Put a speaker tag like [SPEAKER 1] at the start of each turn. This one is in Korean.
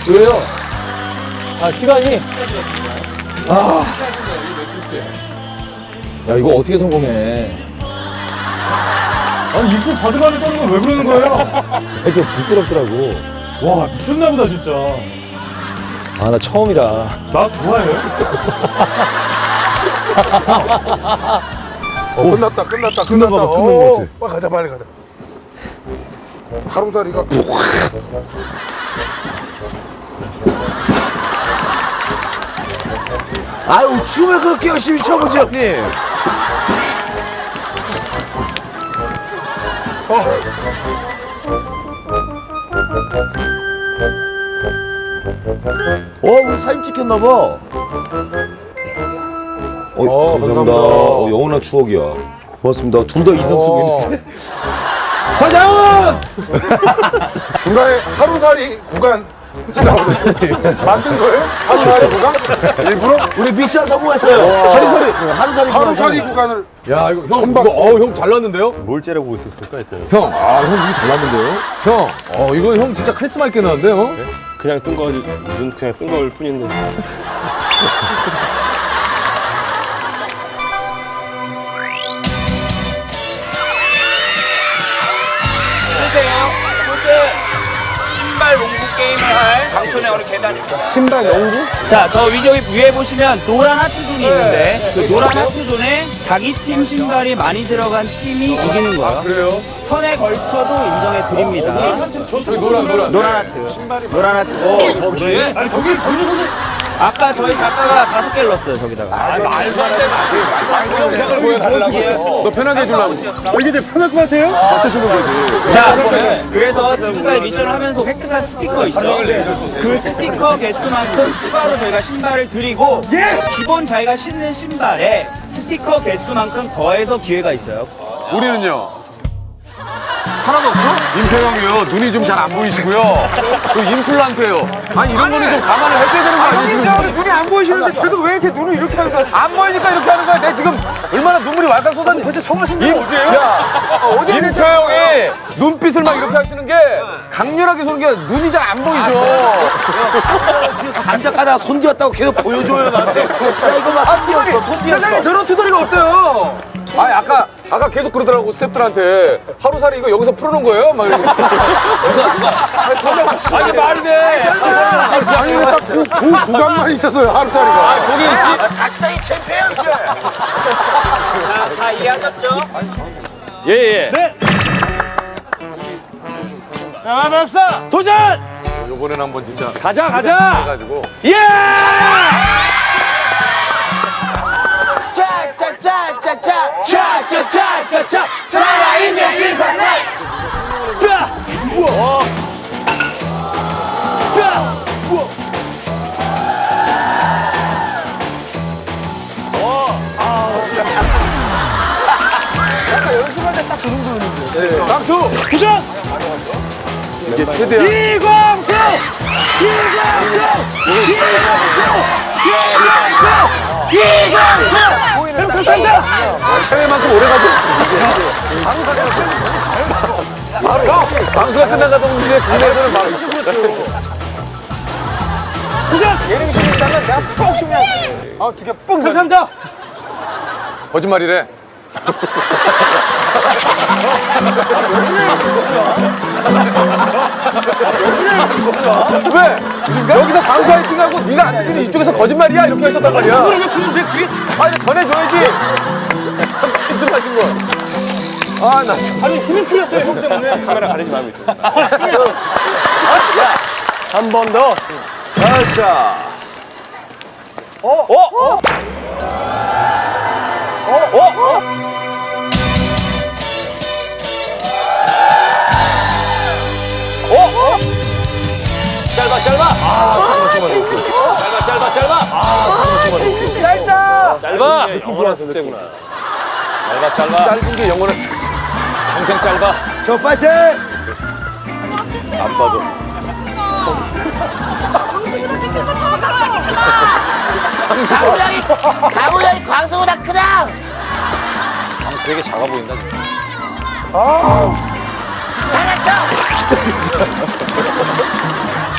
[SPEAKER 1] 왜요? 아, 시간이. 아. 야, 이거 어떻게 성공해?
[SPEAKER 2] 아니 인프 바들바들 떠는 건 왜 그러는 거예요?
[SPEAKER 1] 좀 부끄럽더라고.
[SPEAKER 2] 와 미쳤나 보다 진짜.
[SPEAKER 1] 아, 나 처음이라.
[SPEAKER 2] 나 좋아해요?
[SPEAKER 3] 끝났다.
[SPEAKER 2] 끝난 거 같아.
[SPEAKER 3] 빨리 가자, 빨리 가자. 가로사리가.
[SPEAKER 4] 아유, 춤을 그렇게 열심히 춰보지, 형님. 우리 사진 찍혔나봐.
[SPEAKER 3] 감사합니다.
[SPEAKER 4] 영원한 추억이야. 고맙습니다. 둘 다 이성숙인데.
[SPEAKER 1] 사장!
[SPEAKER 3] 중간에 하루살이 구간 지나오네. 만든 거예요? 하루살이 구간? 일부러?
[SPEAKER 4] 우리 미션 성공했어요.
[SPEAKER 3] 하루살이 구간을.
[SPEAKER 1] 야, 이거 형,
[SPEAKER 3] 처음
[SPEAKER 1] 이거,
[SPEAKER 3] 봤어.
[SPEAKER 1] 형 잘났는데요?
[SPEAKER 2] 뭘 째려보고 있었을까 했더니
[SPEAKER 1] 형, 형 이거 잘났는데요? 형, 이거 형 진짜 카리스마 있게 나왔는데요?
[SPEAKER 2] 그냥 뜬 거, 눈 그냥 뜬 거일 뿐인데.
[SPEAKER 5] 신발 농구 게임을 할 강촌의 어느 계단입니다.
[SPEAKER 1] 신발 농구?
[SPEAKER 5] 자, 저 위에 보시면 노란 하트 존이 있는데 그 노란 하트 존에 자기 팀 신발이 많이 들어간 팀이 이기는 거예요.
[SPEAKER 1] 그래요?
[SPEAKER 5] 선에 걸쳐도 인정해 드립니다.
[SPEAKER 1] 저기 노란.
[SPEAKER 5] 노란 하트. 노란 하트. 저기에?
[SPEAKER 2] 아니 저기
[SPEAKER 5] 아까 저희 작가가 5개를 넣었어요, 저기다가.
[SPEAKER 1] 말도 안 돼, 마시. 영상을 보여달라고. 너 편하게 해주려고.
[SPEAKER 2] 이게 되게 편할 것 같아요?
[SPEAKER 1] 맞춰주는 거지.
[SPEAKER 5] 자, 그래서 지금까지 미션을 하면서 획득한 스티커 있죠? 그 스티커 개수만큼 추가로 저희가 신발을 드리고 기본 자기가 신는 신발에 스티커 개수만큼 더해서 기회가 있어요.
[SPEAKER 1] 우리는요? 하나도 없어? 임평형이요. 눈이 좀 잘 안 보이시고요. 그 임플란트예요. 아니 이런 거는 좀 감안을 해줘야 되는 거 아니지? 지금?
[SPEAKER 2] 눈이 안 보이시는데 계속 왜 이렇게 눈을 이렇게 하는 거야?
[SPEAKER 1] 안 보이니까 이렇게 하는 거야. 내 지금 얼마나 눈물이 왈칵 쏟았니?
[SPEAKER 2] 대체 성하신 분 어디예요?
[SPEAKER 1] 야, 임평형이 눈빛을 막 이렇게 하시는 게 강렬하게 쏘는 게 눈이 잘 안 보이죠.
[SPEAKER 4] 감자 까다가 손 뒤었다고 계속 보여줘요, 나한테. 야, 이거 막 손 뒤었어, 손 뒤었어.
[SPEAKER 1] 저런 투덜이가 없대요. 아니 아까 계속 그러더라고 스태프들한테 하루살이 이거 여기서 풀어놓은 거예요? 막 이러고. 아니 말이 돼.
[SPEAKER 3] 아니, 왜 딱 그 구간만 있었어요, 하루살이가.
[SPEAKER 1] 거기 씨.
[SPEAKER 4] 다시다, 이 챔피언!
[SPEAKER 5] 다 이해하셨죠?
[SPEAKER 1] 예예.
[SPEAKER 2] 네. 야, 맙사 도전!
[SPEAKER 1] 이번에는 한번 진짜
[SPEAKER 2] 가자.
[SPEAKER 1] 해가지고.
[SPEAKER 2] 예!
[SPEAKER 4] 짜짜짜짜짜! 살아있는 딜판네!
[SPEAKER 1] 박수.
[SPEAKER 2] 도전!
[SPEAKER 1] 이게 최대한.
[SPEAKER 2] 이광수! 감사합니다!
[SPEAKER 1] 해외만큼 오래 가죠. 바로 방수가 끝나가 동시에 국내에서는 바로. 예능신이 있다면 내가 꼭 쉬면.
[SPEAKER 2] 두개 뽕! 감사합니다!
[SPEAKER 1] 거짓말이래. 왜? 여기서 방수 화이팅하고 네가 안 듣는 이쪽에서 거짓말이야 이렇게 하셨단 말이야.
[SPEAKER 2] 왜 그런데 그게
[SPEAKER 1] 아니 전해줘야지. 말씀하신 거. 아 나 참.
[SPEAKER 2] 아니 힘이 풀렸어요 형 때문에 카메라 가리지 말고 있어. 한 번 더.
[SPEAKER 4] 아싸.
[SPEAKER 1] 짧아. 영원한 숙제구나. 짧아. 짧은 게 영원한 숙제. 평생 짧아.
[SPEAKER 4] 형 파이팅!
[SPEAKER 1] 안 빠져.
[SPEAKER 4] 강우양이 광수보다 크다!
[SPEAKER 1] 방수 되게 작아 보인다.
[SPEAKER 4] 잘했어!